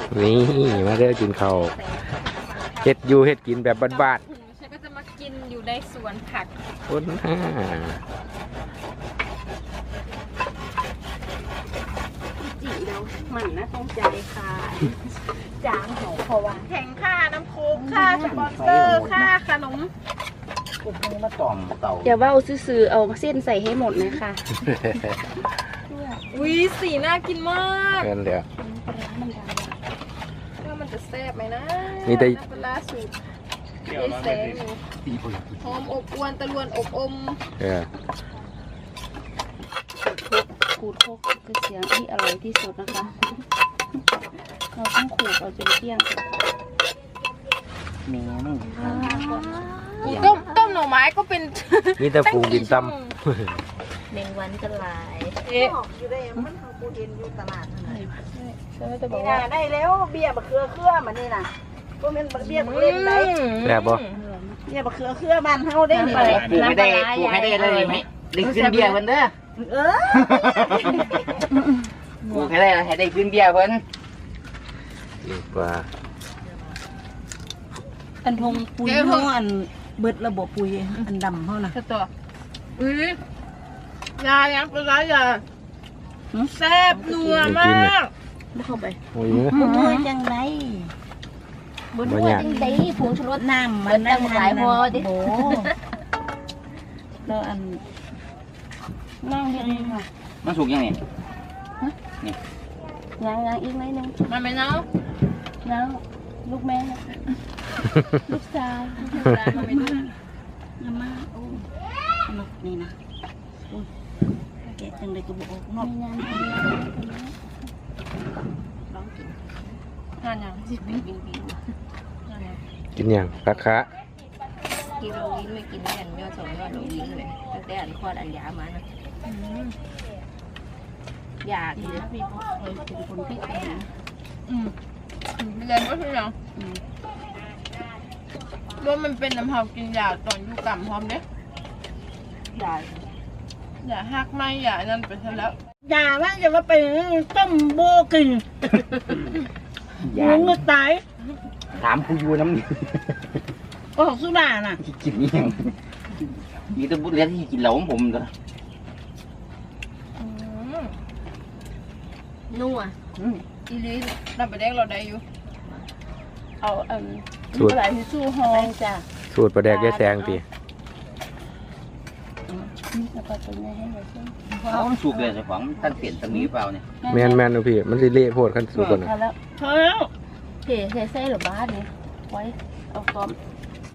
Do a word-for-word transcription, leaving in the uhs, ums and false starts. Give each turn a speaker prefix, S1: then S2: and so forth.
S1: นี่มาเด้อกินข้าวเฮ็ดอยู่เฮ็ดกินแบบบ้าน
S2: ๆฉันก็จะมากินอยู่ในสวนผัก
S1: ๆคนห้า
S2: จีเดียวมันนะต้องใจค่ะจางหอเพราะว่าแข่งค่าน้ำโค้กค่าสปอนเซอร์ค่าขนม
S3: พวกนี้มาต่อมเต่า
S4: อย่าว่าซื้อๆเอาเส้นใส่ให้หมดเลยค่ะ
S2: อุ้ยสีน่ากินมาก
S1: เงินเดี๋ยว
S2: ว่ามันจะแซ่บไหมนะ
S1: มีแต่
S2: เวลาสูตรเอแสงอยู่หอมอบอวนตะลวนอบอม
S1: เออ
S4: ขูดโคกคือเสียงที่อร่อยที่สุดนะคะเราต้องขูดเอาจนเกลี้ยง
S3: เมนู
S2: ต้มต้มหน่อไม้ก็เป็น
S1: มีแต่ปูบินซ้
S4: เมงวันกันหลาย
S2: เอ๊ะ
S5: อยู่ได้มันทางปูเย็นอยู่ตลาดนั่นแหละ
S2: ฉันไม่จะบอก
S5: นี่
S2: ว่า
S5: นะได้แล้วเบี้ยบะเขือเครือมันนี่นะก็เป็นเบี้ยบะเล่นได้
S1: ำแซ่บบ่
S5: เบี้ยบะเขือเครือบ้านเฮาได้นี่
S3: ปลูกให้ได้ปลูกให้ได้เลยไหมได้ขึ้นเบี้ยเพิ่นเด้อ
S5: เออ
S3: ปลูกให้ได้ให้ได้ขึ้นเบี้ยเพิ่น
S1: ดีกว่า
S5: อันทงปุยเฮาอันเบิดระบบปุยอันดำเฮาน่ะ
S2: ตัวอุ้ยยายังเป็นไรยาแซ่บนัวมาก
S4: ไม่เข้าไป
S1: โอ้ย
S5: โอ้ยจังได๋
S4: บนหัวจริงดิผงชูรส
S5: น้ำมันตั้งหลายพอดิโอ้แล้วอันนั่งดีๆค่ะ
S3: มันสุกยังไง
S4: ย
S3: นี่
S4: ังยังอีกไหมนึง
S2: มันไม่เน่า
S4: เน่าลูกแม่ลูกชาย
S2: ลูกชายมันไม่ดื้อ
S5: น้ำมาโอ้นกนี่นะโอ้ยแกะจังได๋ก็บ่ออกนก
S4: งาน
S5: ลองกิน
S2: งานยังสิบินบินบิน
S1: กินอย่างราคา
S4: กินโรลินไม่กินกันยอดสองยอดโรลินเลยตั้งแต่อันคลอดอันยามานะอยากดีนะพี่เคยเป็นคนพิการ
S2: อืมเรียนว่าใช่ยังว่ามันเป็นน้ำหอมกินยาตอนอยู่กำพร้อมเนี่ย
S4: ได้
S2: อย่าหักไม่อย่านั่นไปซะแล้ว
S5: อย่าว่าจะว่าไปต้มโบกินมึงก็ตาย
S3: ถามผู้อยู่น้ำนี่
S5: โอ้สุดาน่ะ
S3: กินนี่ยังมีแต่บุญเลี้ยงที่กินเหล้าของผมเด้อ
S4: นัว
S2: อีลีเราไปเด็กเราได้อยู่
S4: เอาอัน
S1: สูตร
S4: อะไรที่สู้หอมจ้ะ
S1: สูตรปลาแดกยายแซงตี
S4: นี่จะไปเป็นไงให้เราช่วย
S3: เอามันสุกเลยเจ้าของท่านเปลี่ยนตรงนี้เปล่าเนี่ย
S1: แมนแมนนะพี่มันสิเละโพดขั้นสูตรก่อนนะ
S4: พอแล้ว
S5: พอแล้ว
S4: เทเทใส่หรือบ้านเนี่ยไว้เอากอม